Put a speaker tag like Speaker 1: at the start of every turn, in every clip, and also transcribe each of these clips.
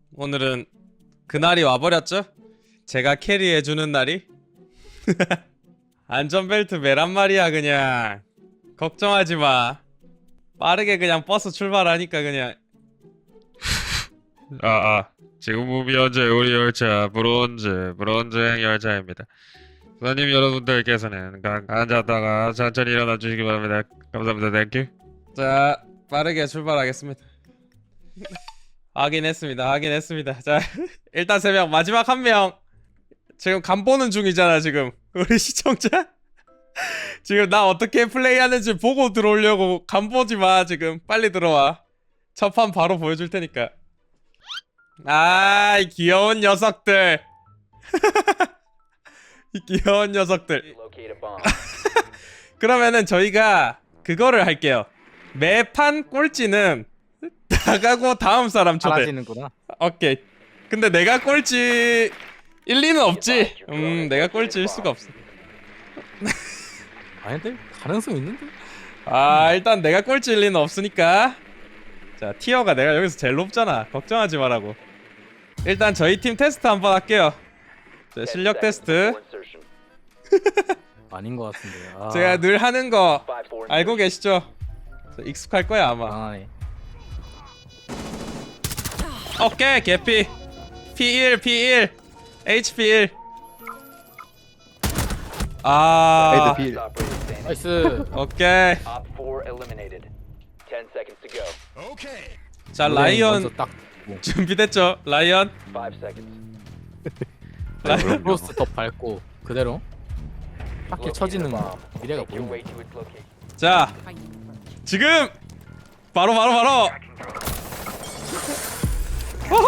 Speaker 1: 오늘은 그날이 와버렸죠? 제가 캐리해주는 날이? 안전벨트 매란 말이야. 그냥 걱정하지마. 빠르게 그냥 버스 출발하니까 그냥. 지금 현재 우리 열차 브론즈행 열차입니다. 손님 여러분들께서는 앉았다가 천천히 일어나 주시기 바랍니다. 감사합니다. 땡큐. 자, 빠르게 출발하겠습니다. 확인했습니다. 자, 일단 3명, 마지막 1명 지금 간 보는 중이잖아. 지금 우리 시청자 지금 나 어떻게 플레이하는지 보고 들어오려고 간 보지마. 지금 빨리 들어와. 첫 판 바로 보여줄 테니까. 이 귀여운 녀석들. 이 귀여운 녀석들. 그러면은 저희가 그거를 할게요. 매판 꼴찌는 나가고 다음 사람 초대.
Speaker 2: 사라지는구나.
Speaker 1: 오케이. 근데 내가 꼴찌 1, 2는 없지. 내가 꼴찌일 수가 없어.
Speaker 2: 아닌데? 가능성 있는데?
Speaker 1: 일단 내가 꼴찌 1, 2는 없으니까. 자, 티어가 내가 여기서 제일 높잖아. 걱정하지 말라고. 일단 저희 팀 테스트 한번 할게요. 자, 실력 테스트.
Speaker 2: 아닌 것 같은데.
Speaker 1: 제가 늘 하는 거 알고 계시죠? 익숙할 거야 아마.
Speaker 2: 아,
Speaker 1: 오케이, 개피. P1 HP1.
Speaker 2: 헤드 필. 나이스.
Speaker 1: 오케이. 자, 라이언
Speaker 2: 먼저 딱
Speaker 1: 준비됐죠? 라이언.
Speaker 2: 크로스 더 밟고 그대로 딱히 쳐지는 미래가 보인다.
Speaker 1: 자, 지금 바로. 호호!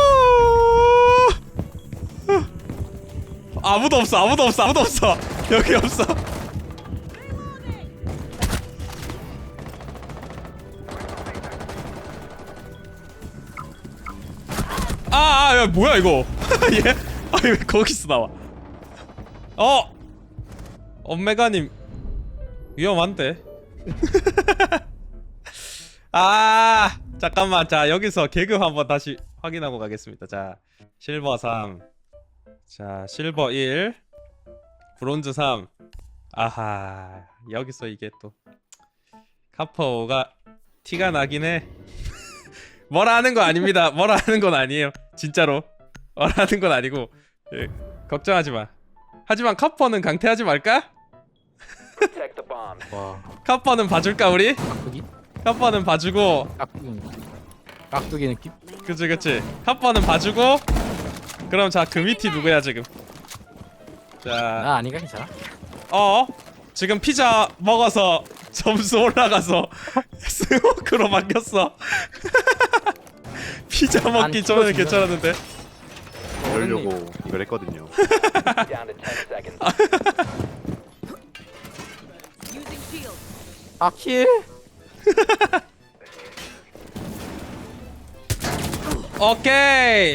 Speaker 1: 아무도 없어. 여기 없어. 야, 뭐야 이거? 얘? 왜 거기서 나와? 엄메가님 위험한데? 잠깐만. 자, 여기서 계급 한번 다시 확인하고 가겠습니다. 자, 실버 3. 자, 실버 1. 브론즈 3. 아하, 여기서 이게 또 카퍼가 티가 나긴 해. 뭐라 하는 거 아닙니다. 뭐라 하는 건 아니에요. 진짜로. 뭐라 하는 건 아니고. 예, 걱정하지 마. 하지만 카퍼는 강퇴하지 말까?
Speaker 2: 와,
Speaker 1: 카퍼는 봐줄까 우리?
Speaker 2: 깍두기?
Speaker 1: 카퍼는 봐주고.
Speaker 2: 깍두기 느낌?
Speaker 1: 그치. 카퍼는 봐주고. 그럼 자, 그 밑이 누구야 지금? 자,
Speaker 2: 나 아니가 괜찮아.
Speaker 1: 지금 피자 먹어서 점수 올라가서 스모크로 바뀌었어. 피자 먹기 전에는 괜찮았는데.
Speaker 3: 그러려고 이걸 했거든요.
Speaker 2: 아킬?
Speaker 1: 오케이.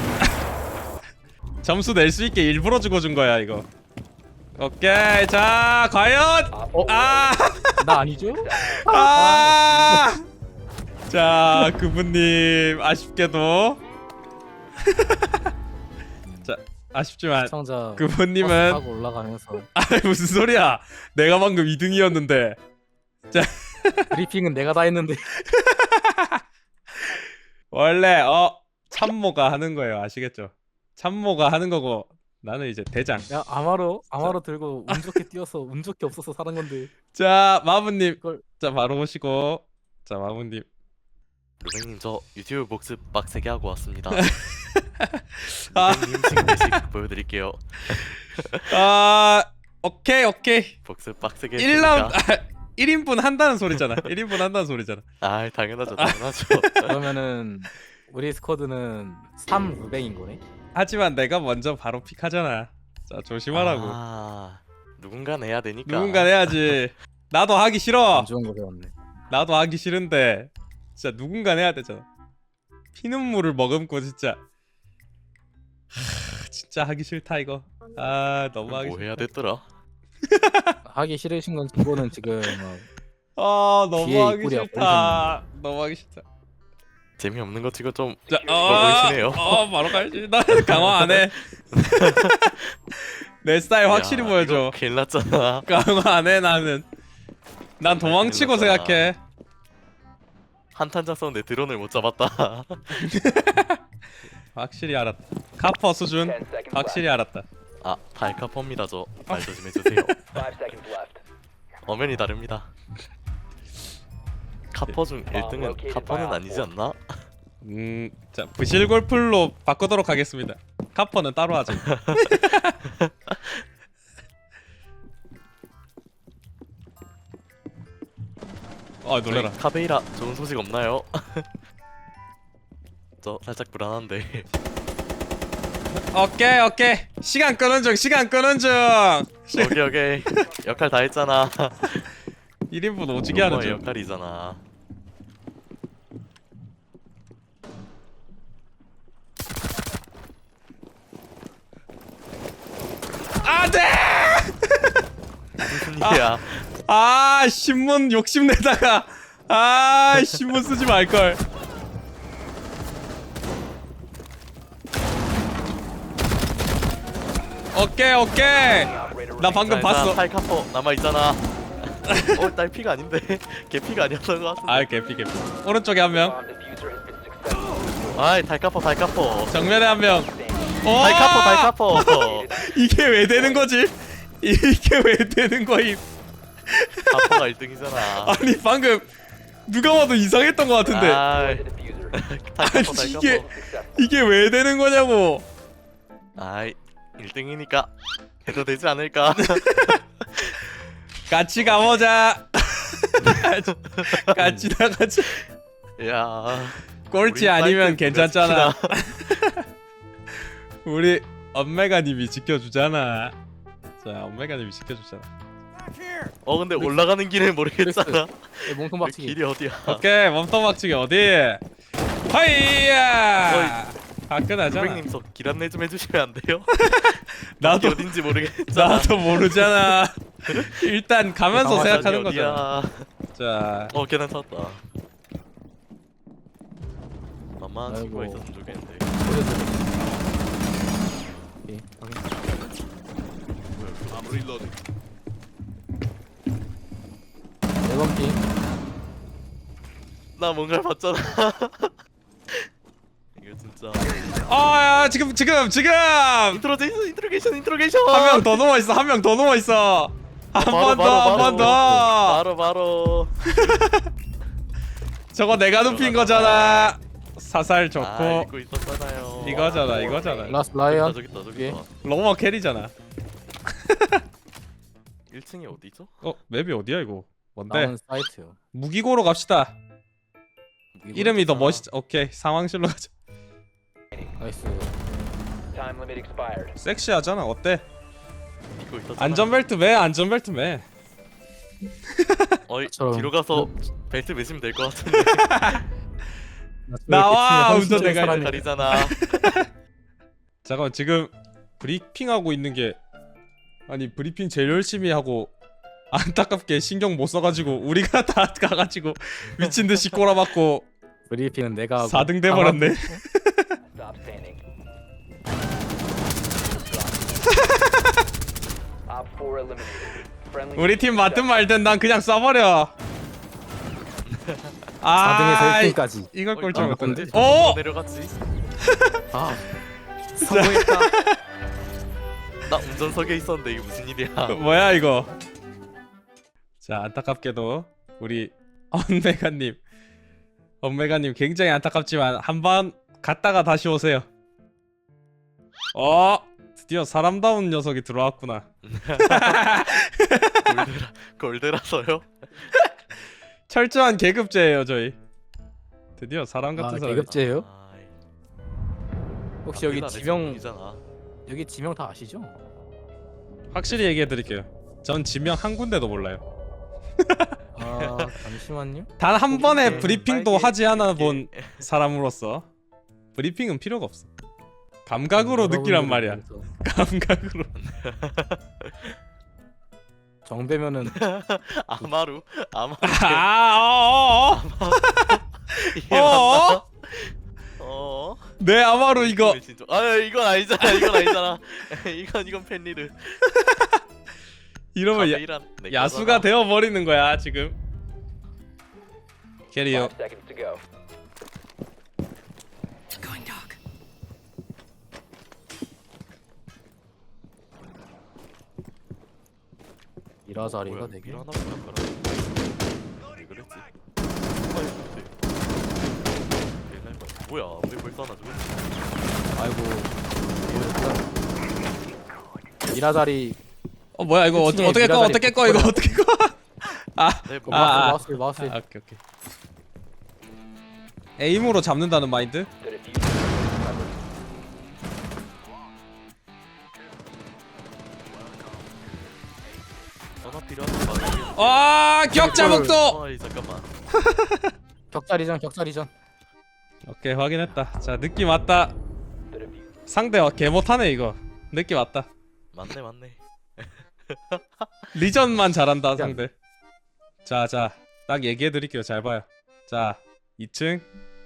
Speaker 1: 점수 낼 수 있게 일부러 죽어준 거야 이거. 오케이. 자, 과연.
Speaker 2: 나 아니죠?
Speaker 1: 자, 그분님 아쉽게도. 자, 아쉽지만
Speaker 2: 시청자
Speaker 1: 그분님은
Speaker 2: 하고 올라가면서
Speaker 1: 무슨 소리야? 내가 방금 2등이었는데. 자,
Speaker 2: 브리핑은 내가 다 했는데.
Speaker 1: 원래 참모가 하는 거예요. 아시겠죠? 참모가 하는 거고 나는 이제 대장.
Speaker 2: 야, 아마로 들고 운 좋게 뛰어서 운 좋게 없어서 사는 건데.
Speaker 1: 자, 마부님.
Speaker 2: 그걸
Speaker 1: 자, 바로 오시고. 자, 마부님.
Speaker 4: 루뱅님, 저 유튜브 복습 빡세게 하고 왔습니다.
Speaker 1: 아.
Speaker 4: 루뱅님 승리식 보여드릴게요.
Speaker 1: 오케이.
Speaker 4: 복습 빡세게
Speaker 1: 1라운드
Speaker 4: 했으니까.
Speaker 1: 1인분 한다는 소리잖아. 1인분 한다는 소리잖아.
Speaker 4: 당연하죠.
Speaker 2: 그러면은 우리 스쿼드는 3 루뱅인 거네.
Speaker 1: 하지만 내가 먼저 바로 픽하잖아. 자, 조심하라고.
Speaker 4: 누군가 내야 되니까.
Speaker 1: 누군가 해야지. 나도 하기 싫어.
Speaker 2: 안 좋은 거 배웠네.
Speaker 1: 나도 하기 싫은데 진짜 누군가 해야 되잖아. 피눈물을 머금고 진짜. 진짜 하기 싫다 이거. 너무 하기
Speaker 4: 뭐
Speaker 1: 싫다.
Speaker 4: 해야 됐더라?
Speaker 2: 하기 싫으신 건 그거는 지금
Speaker 1: 너무
Speaker 2: 뒤에
Speaker 1: 하기
Speaker 2: 입꼬리가
Speaker 1: 싫다. 너무 하기 싫다.
Speaker 4: 재미없는 거 치고 좀
Speaker 1: 자,
Speaker 4: 보이시네요.
Speaker 1: 바로 가야지. 나 강화 안 해. 내 스타일 확실히
Speaker 4: 야,
Speaker 1: 보여줘.
Speaker 4: 이거 큰일 났잖아.
Speaker 1: 강화 안 해 나는. 난 도망치고
Speaker 4: 큰일 났다.
Speaker 1: 생각해.
Speaker 4: 한탄자 썼는데 드론을 못 잡았다.
Speaker 1: 확실히 알았다. 카퍼 수준 확실히 알았다.
Speaker 4: 아, 달카퍼입니다. 저 말 조심해주세요. 엄연히 다릅니다. 카퍼 중 1등은 카퍼는 아니지 않나?
Speaker 1: 자 부실골풀로 바꾸도록 하겠습니다. 카퍼는 따로 하자. 아 놀래라.
Speaker 4: 저희 카베이라 좋은 소식 없나요? 저 살짝 불안한데.
Speaker 1: 오케이 시간 끄는 중 시간 끄는 중.
Speaker 4: 오케이 역할 다 했잖아.
Speaker 1: 1인분 오지게 하는
Speaker 4: 너의
Speaker 1: 중.
Speaker 4: 역할이잖아.
Speaker 1: 안돼.
Speaker 4: 무슨 일이야?
Speaker 1: 아 신문 욕심내다가 아 신문 쓰지 말걸. 오케이 나 방금 봤어.
Speaker 4: 탈카퍼 남아 있잖아. 딸 피가 아닌데. 걔 피가 아니었던 것 같은데.
Speaker 1: 아 개피 오른쪽에 한명
Speaker 4: 아이 달카퍼.
Speaker 1: 정면에 한명
Speaker 4: 달카퍼.
Speaker 1: 이게 왜 되는 거지? 이게 왜 되는 거임?
Speaker 4: 카퍼가 1등이잖아.
Speaker 1: 아니 방금 누가 봐도 이상했던 것 같은데
Speaker 4: 아이 달카퍼.
Speaker 1: 이게 왜 되는 거냐고.
Speaker 4: 아이 1등이니까 해도 되지 않을까?
Speaker 1: 같이 가보자. 같이 나가자.
Speaker 4: 야
Speaker 1: 꼴찌
Speaker 4: 우리
Speaker 1: 아니면
Speaker 4: 사이트
Speaker 1: 괜찮잖아.
Speaker 4: 누가
Speaker 1: 우리 엄메가님이 지켜주잖아. 자 엄메가님이 지켜주잖아.
Speaker 4: 근데 올라가는 길을 모르겠잖아.
Speaker 2: 몸통
Speaker 4: 그
Speaker 2: 박치기.
Speaker 4: 길이 어디야?
Speaker 1: 오케이 몸통 박치기 어디? 하이야. 화끈하잖아.
Speaker 4: 선생님 저 길 안내 좀 해주시면 안 돼요?
Speaker 1: 나도
Speaker 4: 어딘지 모르겠잖아.
Speaker 1: 나도 모르잖아. 일단 가면서
Speaker 2: 강화산이
Speaker 1: 생각하는
Speaker 4: 어디야?
Speaker 1: 거잖아. 자
Speaker 4: 계단 찾았다. 만만한
Speaker 2: 아이고.
Speaker 4: 친구가 있었으면 좋겠는데.
Speaker 2: 오케이, 확인. 네 번 핑.
Speaker 4: 나 뭔가를 봤잖아. 이거 진짜.
Speaker 1: 아야 지금
Speaker 4: 인트로게이션.
Speaker 1: 한 명 더 누워 있어. 한 명 더 누워 있어. 한 번 더.
Speaker 4: 바로.
Speaker 1: 저거 내가 눕힌 거잖아. 사살 좋고
Speaker 4: 아, 믿고 있었잖아요.
Speaker 1: 이거잖아.
Speaker 2: 라스 라이언.
Speaker 4: 저기 있다.
Speaker 2: 예.
Speaker 1: 로머 캐리잖아.
Speaker 4: 1층이 어디죠?
Speaker 1: 맵이 어디야 이거? 뭔데?
Speaker 2: 나온 사이트요.
Speaker 1: 무기고로 갑시다. 이름이 더 멋있. 오케이 상황실로 가자.
Speaker 2: 나이스.
Speaker 1: 섹시하잖아. 어때?
Speaker 4: 믿고 있었잖아.
Speaker 1: 안전벨트 매. 안전벨트 매.
Speaker 2: 저처럼.
Speaker 4: 뒤로 가서 벨트 매시면 될 것 같은데.
Speaker 1: 나와, 운전 내가
Speaker 2: 사람이.
Speaker 4: 다리잖아.
Speaker 1: 잠깐만 지금 브리핑하고 있는 게 아니 브리핑 제일 열심히 하고 안타깝게 신경 못 써가지고 우리가 다 가가지고 미친 듯이 꼬라박고
Speaker 2: 브리핑은 내가 하고.
Speaker 1: 4등 돼버렸네. 우리 팀 맞든 말든 난 그냥 쏴버려.
Speaker 2: 4등에서 1등까지.
Speaker 1: 이걸 꼴찌
Speaker 2: 아,
Speaker 1: 못했네.
Speaker 2: 근데
Speaker 1: 오!
Speaker 4: 내려갔지.
Speaker 2: 아. 성공했다.
Speaker 4: 나 운전석에 있었는데 이게 무슨 일이야?
Speaker 1: 뭐야 이거? 자 안타깝게도 우리 엄메가님 굉장히 안타깝지만 한번 갔다가 다시 오세요. 드디어 사람다운 녀석이 들어왔구나.
Speaker 4: 골드라서요?
Speaker 1: 철저한 계급제예요 저희. 드디어 사람 같은 사람.
Speaker 2: 계급제예요?
Speaker 4: 아이,
Speaker 2: 혹시 여기
Speaker 4: 우리가
Speaker 2: 지명
Speaker 4: 내성분이잖아.
Speaker 2: 여기 지명 다 아시죠?
Speaker 1: 확실히 얘기해드릴게요. 전 지명 한 군데도 몰라요.
Speaker 2: 아 잠시만요.
Speaker 1: 단 한 번에
Speaker 4: 오케이.
Speaker 1: 브리핑도
Speaker 4: 빨개,
Speaker 1: 하지 않아
Speaker 4: 이렇게.
Speaker 1: 본 사람으로서 브리핑은 필요가 없어. 감각으로 느끼란 말이야. 감각으로.
Speaker 2: 정배면은
Speaker 4: 아마루.
Speaker 1: 어어어.
Speaker 4: 이게 맞나?
Speaker 1: 내 아마루 이거
Speaker 4: 진짜. 아 이건 아니잖아. 이건 아니잖아. 이건 팬리르.
Speaker 1: 이러면
Speaker 4: 카페이란 내
Speaker 1: 야수가
Speaker 4: 거잖아.
Speaker 1: 되어 버리는 거야 지금. 캐리어.
Speaker 2: 이라자리가
Speaker 4: 뭐야,
Speaker 2: 되게
Speaker 4: 일 하나 보다 가라. 왜 그랬지? 옛날 거. 뭐야? 왜 벌써 하나 죽었지?
Speaker 2: 아이고 이라자리
Speaker 1: 뭐야 이거
Speaker 2: 그치,
Speaker 1: 어떻게 꺼
Speaker 2: 미라다리
Speaker 1: 어떻게 꺼 이거
Speaker 2: 버려.
Speaker 1: 어떻게 꺼?
Speaker 4: 네,
Speaker 2: 그
Speaker 4: 뭐.
Speaker 2: 마우스
Speaker 1: 오케이 오케이. 에임으로 잡는다는 마인드?
Speaker 4: 전화 필요한 거 맞아.
Speaker 1: 아 격자 복도.
Speaker 4: 어이 잠깐만.
Speaker 2: 격자리전
Speaker 1: 오케이 확인했다. 자 느낌 왔다. 상대 개 못하네 이거. 느낌 왔다.
Speaker 4: 맞네.
Speaker 1: 리전만 잘한다 상대. 자 딱 얘기해 드릴게요. 잘 봐요. 자 2층.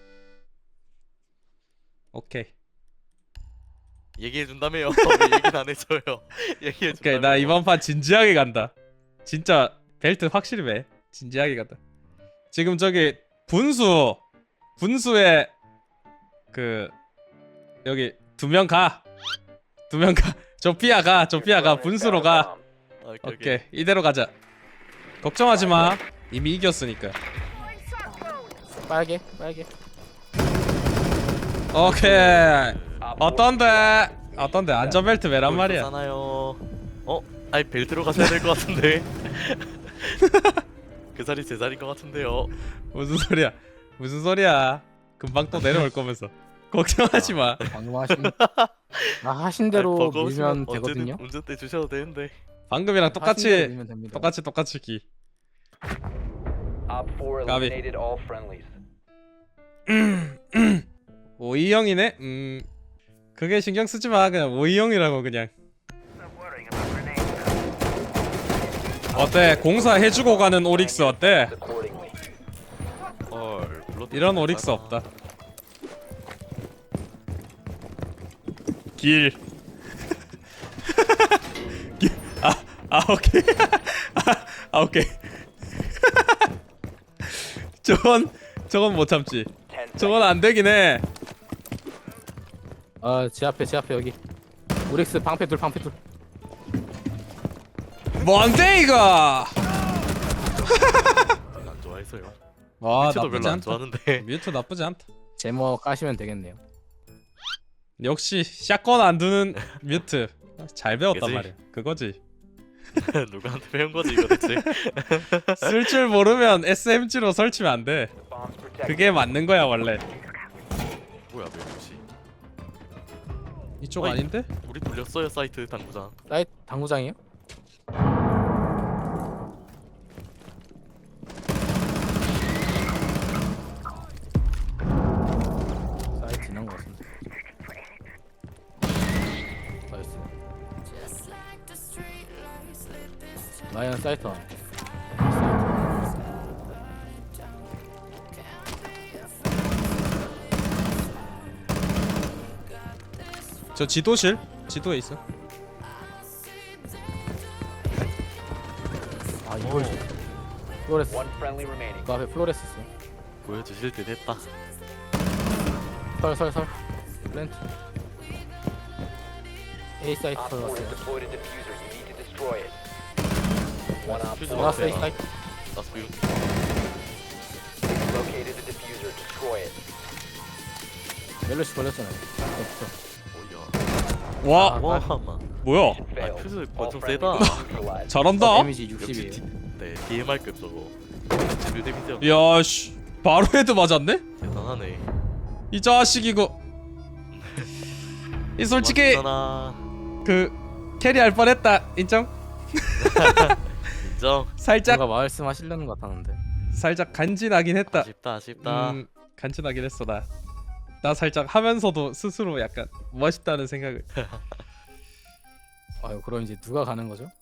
Speaker 1: 오케이.
Speaker 4: 얘기해 준다며요. 왜 얘기는 안 해줘요? 얘기해 준다며.
Speaker 1: 오케이 나 이번 판 진지하게 간다. 진짜 벨트 확실히 매. 진지하게 간다. 지금 저기 분수에 그 여기 2명 가. 2명 가. 조피아 가. 분수로 가. 오케이 이대로 가자. 걱정하지 마. 이미 이겼으니까.
Speaker 2: 빨개
Speaker 1: 오케이. 어떤데 안전벨트 매란 말이야.
Speaker 4: 잖아요. 아니 벨트로 가셔야 될 것 같은데. 그 자리 제 자리인 것 같은데요.
Speaker 1: 무슨 소리야. 금방 또 내려올 거면서. 걱정하지 마.
Speaker 2: 방금 하신 대로
Speaker 4: 아니, 버거우시면
Speaker 2: 밀면 되거든요.
Speaker 4: 언제든 운전대 주셔도 되는데.
Speaker 1: 방금이랑
Speaker 2: 하신 대로
Speaker 1: 똑같이
Speaker 2: 밀면 됩니다.
Speaker 1: 똑같이 기. 까비. 오이형이네. 그게 신경 쓰지 마. 그냥 오이형이라고 그냥. 어때? 공사 해주고 가는 오릭스 어때?
Speaker 4: 블러드
Speaker 1: 이런 오릭스
Speaker 4: 괜찮아.
Speaker 1: 없다. 길. 오케이. 오케이. 저건 못 참지. 저건 안 되긴 해.
Speaker 2: 제 앞에 여기 오릭스 방패 둘
Speaker 1: 뭔데 이거?
Speaker 4: 안 좋아해서요.
Speaker 1: 와
Speaker 4: 뮤트도
Speaker 1: 나쁘지
Speaker 4: 별로 안
Speaker 1: 않다.
Speaker 4: 좋아하는데.
Speaker 1: 뮤트 나쁘지 않다.
Speaker 2: 제모 까시면 되겠네요.
Speaker 1: 역시 샷건 안 두는 뮤트. 잘 배웠단
Speaker 4: 그지?
Speaker 1: 말이야. 그거지.
Speaker 4: 누구한테 배운 거지 이거 대체?
Speaker 1: 쓸 줄 모르면 SMG로 설치면 안 돼. 그게 맞는 거야 원래.
Speaker 4: 뭐야 왜 그렇지?
Speaker 1: 이쪽
Speaker 4: 어이.
Speaker 1: 아닌데?
Speaker 4: 우리 돌렸어요 사이트 당구장.
Speaker 2: 사이트 당구장이요? 사이트 지난 것 같은데. 나이스. 라이언 사이트 안.
Speaker 1: 저 지도실? 지도에 있어.
Speaker 2: 아 이걸 플로레스. 그 앞에 플로레스 있어.
Speaker 4: 보여주실 때 됐다.
Speaker 2: 설 플랜트. A 사이트 왔어요. 라스 A 사이트.
Speaker 4: 나스 뷰.
Speaker 2: 멜로시 걸렸잖아요.
Speaker 4: 오야.
Speaker 1: 와
Speaker 4: 와.
Speaker 1: 뭐야?
Speaker 4: 아 퓨즈 권총 세다.
Speaker 1: 잘한다.
Speaker 2: 데미지
Speaker 4: 역시
Speaker 2: 60이에요.
Speaker 4: 네 DMR급 저거. 지빌 데미지
Speaker 1: 야씨 바로 헤드 맞았네?
Speaker 4: 대단하네.
Speaker 1: 이 자식 이거. 이 솔직히
Speaker 4: 맞잖아.
Speaker 1: 그 캐리할 뻔했다. 인정?
Speaker 4: 인정.
Speaker 1: 살짝
Speaker 2: 뭔가 말씀하시려는 것 같았는데.
Speaker 1: 살짝 간지나긴 했다.
Speaker 4: 아쉽다.
Speaker 1: 간지나긴 했어 나. 나 살짝 하면서도 스스로 약간 멋있다는 생각을.
Speaker 2: 아유 그럼 이제 누가 가는 거죠?